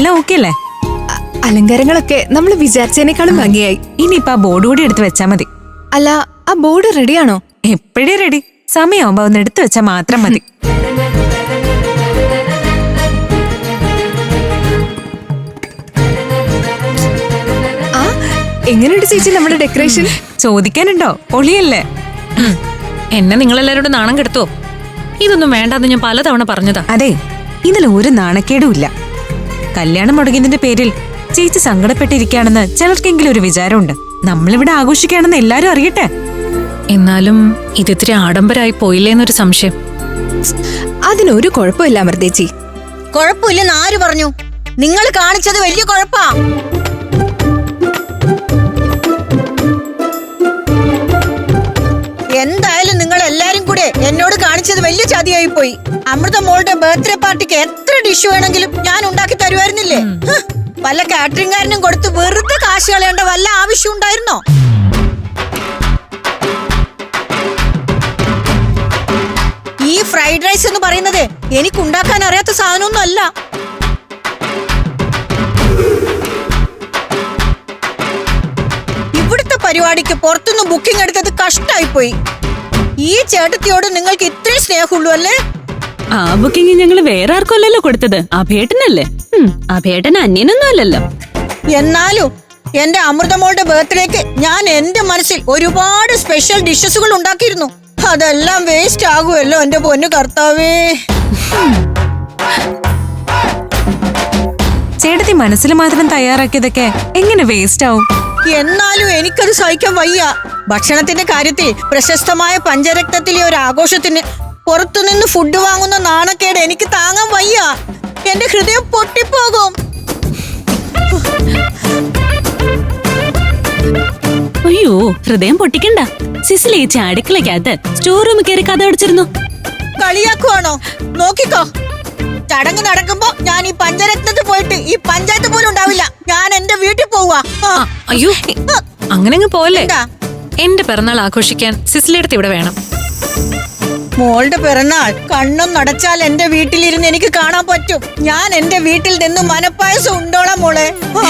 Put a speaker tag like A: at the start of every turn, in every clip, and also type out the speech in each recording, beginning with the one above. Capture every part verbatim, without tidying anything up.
A: എല്ലാം ഓക്കെ അല്ലേ?
B: അലങ്കാരങ്ങളൊക്കെ നമ്മൾ വിചാരിച്ചതിനേക്കാളും ഭംഗിയായി.
A: ഇനിയിപ്പൊ ആ ബോർഡ് കൂടി എടുത്ത് വെച്ചാ മതി.
B: അല്ല, ആ ബോർഡ് റെഡിയാണോ?
A: എപ്പോഴേ റെഡി. സമയമാകുമ്പോ ഒന്ന് എടുത്തു വെച്ചാ മാത്രം മതി.
B: ആ എങ്ങനെയുണ്ട് ചേച്ചി നമ്മുടെ ഡെക്കറേഷൻ?
A: ചോദിക്കാനുണ്ടോ? പൊളിയല്ലേ?
C: എന്നെ നിങ്ങളെല്ലാരോടും നാണം കെടുത്തോ? ഇതൊന്നും വേണ്ടെന്ന് ഞാൻ പലതവണ പറഞ്ഞതാ.
A: അതെ, ഇതിൽ ഒരു നാണക്കേടും ഇല്ല. കല്യാണം മുടങ്ങിയതിന്റെ പേരിൽ ചേച്ചി സങ്കടപ്പെട്ടിരിക്കുകയാണെന്ന് ചിലർക്കെങ്കിലും ഒരു വിചാരമുണ്ട്. നമ്മളിവിടെ ആഘോഷിക്കുകയാണെന്ന് എല്ലാരും അറിയട്ടെ.
C: എന്നാലും ഇതിത്തിരി ആഡംബരമായി പോയില്ലേന്നൊരു സംശയം.
B: അതിനൊരു കുഴപ്പമില്ല അമൃതേച്ചി.
D: കുഴപ്പമില്ലെന്ന് ആര് പറഞ്ഞു? നിങ്ങൾ കാണിച്ചത് വലിയ കുഴപ്പാ. എന്തായാലും നിങ്ങൾ എല്ലാരും കൂടെ എന്നോട് കാണിച്ചത് വലിയ ചതിയായി പോയി. അമൃത മോളുടെ ബർത്ത്ഡേ പാർട്ടിക്ക് എത്ര ഡിഷ് വേണമെങ്കിലും ഞാൻ ഉണ്ടാക്കി തരുമായിരുന്നില്ലേ? വല്ല കാറ്ററിംഗുകാരനും കൊടുത്ത് വെറുതെ കാശ് കളയേണ്ട വല്ല ആവശ്യം ഉണ്ടായിരുന്നോ? ഈ ഫ്രൈഡ് റൈസ് എന്ന് പറയുന്നത് എനിക്ക് ഉണ്ടാക്കാൻ അറിയാത്ത സാധനമൊന്നും അല്ല. ഇവിടുത്തെ പരിപാടിക്ക് പുറത്തുനിന്ന് ബുക്കിംഗ് എടുത്തത് കഷ്ടായി പോയി. ഈ ചേട്ടത്തിയോട് നിങ്ങൾക്ക് ഇത്രയും സ്നേഹമുള്ളൂ അല്ലേ?
E: ആ ബുക്കിംഗ് ഞങ്ങൾ വേറെ ആർക്കും അല്ലല്ലോ കൊടുത്തത്, അഭേട്ടനല്ലേ. അഭേട്ടൻ അന്യനൊന്നും അല്ലല്ലോ.
D: എന്നാലും എന്റെ അമൃതമോളുടെ ബർത്ത്ഡേക്ക് ഞാൻ എന്റെ മനസ്സിൽ ഒരുപാട് സ്പെഷ്യൽ ഡിഷസുകൾ ഉണ്ടാക്കിയിരുന്നു. അതെല്ലാം വേസ്റ്റ് ആകുമല്ലോ എന്റെ പൊന്നു കർത്താവേ.
A: ചേട്ടത്തി മനസ്സിൽ മാത്രം തയ്യാറാക്കിയതൊക്കെ എങ്ങനെ വേസ്റ്റ് ആവും?
D: എന്നാലും എനിക്കത് സഹിക്കാൻ വയ്യ. ഭക്ഷണത്തിന്റെ കാര്യത്തിൽ പ്രശസ്തമായ പഞ്ചരക്തത്തിലെ ഒരു ആഘോഷത്തിന് പുറത്തുനിന്ന് ഫുഡ് വാങ്ങുന്ന നാണക്കേട് എനിക്ക് താങ്ങാൻ വയ്യ. എന്റെ ഹൃദയം പൊട്ടിപ്പോകും.
E: അയ്യോ, ഹൃദയം പൊട്ടിക്കണ്ട. സിസിലേച്ചി അടുക്കളക്കകത്ത് സ്റ്റോർ റൂമിൽ കയറി കഥ അടിച്ചിരുന്നു.
D: കളിയാക്കുവാണോ? നോക്കിക്കോ, ചടങ്ങ് നടക്കുമ്പോ ഞാൻ ഈ പഞ്ചരത്നത്തിൽ പോയിട്ട് ഈ പഞ്ചായത്ത് പോലും ഉണ്ടാവില്ല. ഞാൻ എന്റെ വീട്ടിൽ പോവാ.
C: അയ്യോ, അങ്ങനെ പോലെ എന്റെ പിറന്നാൾ ആഘോഷിക്കാൻ സിസിലിയടുത്ത് ഇവിടെ വേണം.
D: മോളുടെ പിറന്നാൾ കണ്ണും നടച്ചാൽ എന്റെ വീട്ടിലിരുന്ന് എനിക്ക് കാണാൻ പറ്റും. ഞാൻ എന്റെ വീട്ടിൽ നിന്ന് മനപ്പായസം ഉണ്ടോളാം മോളെ.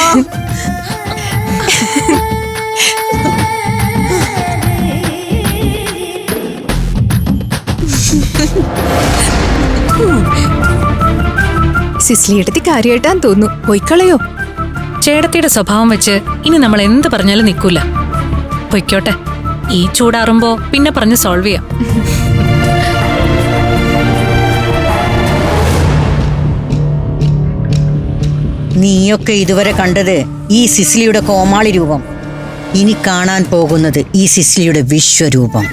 B: സിസ്ലി എടുത്തി കാര്യമായിട്ടാന്ന് തോന്നുന്നു. പൊയ്ക്കളയോ?
C: ചേട്ടത്തിയുടെ സ്വഭാവം വെച്ച് ഇനി നമ്മൾ എന്ത് പറഞ്ഞാലും നിൽക്കൂല. പൊയ്ക്കോട്ടെ. ഈ ചൂടാറുമ്പോ പിന്നെ പറഞ്ഞ് സോൾവ് ചെയ്യാം.
D: നീയൊക്കെ ഇതുവരെ കണ്ടത് ഈ സിസിലിയുടെ കോമാളി രൂപം. ഇനി കാണാൻ പോകുന്നത് ഈ സിസിലിയുടെ വിശ്വരൂപം.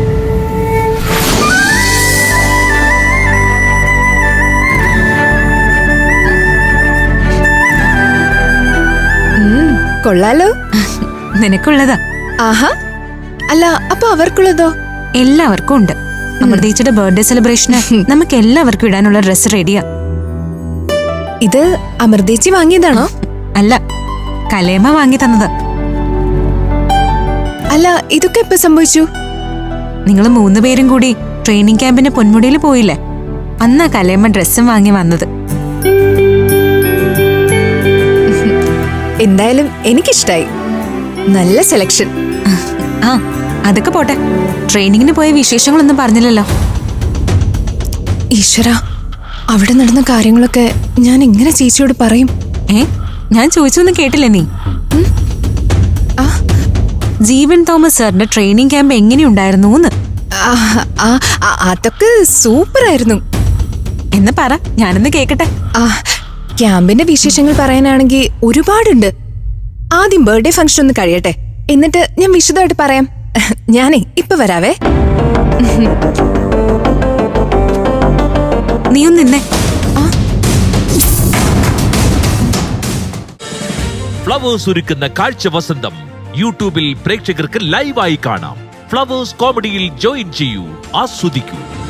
B: കൊള്ളാലോ.
A: നിനക്കുള്ളതാ.
B: ആഹാ. അല്ല, അപ്പൊ അവർക്കുള്ളതോ?
A: എല്ലാവർക്കും ഉണ്ട്. അമൃതേച്ചിയുടെ ബർത്ത്ഡേ സെലിബ്രേഷന് നമുക്ക് എല്ലാവർക്കും ഇടാനുള്ള ഡ്രസ് റെഡിയാ.
B: ഇത് അമൃതേച്ചി വാങ്ങിയതാണോ?
A: അല്ല, കലേമ വാങ്ങി തന്നത്.
B: അല്ല, ഇതൊക്കെ എപ്പോ സംഭവിച്ചു?
A: നിങ്ങൾ മൂന്ന് പേരും കൂടി ട്രെയിനിങ് ക്യാമ്പിന് പൊന്മുടിയിൽ പോയില്ലേ? അന്നാ കലേമ ഡ്രസ്സും വാങ്ങി വന്നത്.
B: എന്തായാലും എനിക്കിഷ്ടായി. നല്ല സെലക്ഷൻ.
A: ആ, അതൊക്കെ പോട്ടെ. ട്രെയിനിങ്ങിന് പോയ വിശേഷങ്ങളൊന്നും പറഞ്ഞില്ലല്ലോ.
B: ഈശ്വര, അവിടെ നടന്ന കാര്യങ്ങളൊക്കെ ഞാൻ എങ്ങനെ ചേച്ചിയോട് പറയും?
A: ഏ, ഞാൻ ചോദിച്ചൊന്നും കേട്ടില്ലേ നീ? ജീവൻ തോമസ് സാറിന്റെ ട്രെയിനിങ് ക്യാമ്പ് എങ്ങനെയുണ്ടായിരുന്നു?
B: അതൊക്കെ സൂപ്പർ ആയിരുന്നു.
A: എന്ന് പറ, ഞാനൊന്ന് കേക്കട്ടെ.
B: ക്യാമ്പിന്റെ വിശേഷങ്ങൾ പറയാനാണെങ്കിൽ ഒരുപാടുണ്ട്. ആദ്യം ബർത്ത്ഡേ ഫംഗ്ഷൻ ഒന്ന് കഴിയട്ടെ, എന്നിട്ട് ഞാൻ വിശദമായിട്ട് പറയാം. ഞാനേ ഇപ്പൊ വരാവേ.
A: നീ ഒന്ന് നിന്നെ.
F: ഫ്ലവേഴ്സ് ഒരുക്കുന്ന കാഴ്ച വസന്തം യൂട്യൂബിൽ പ്രേക്ഷകർക്ക് ലൈവായി കാണാം. ഫ്ലവേഴ്സ് കോമഡിയിൽ ജോയിൻ ചെയ്യൂ, ആസ്വദിക്കൂ.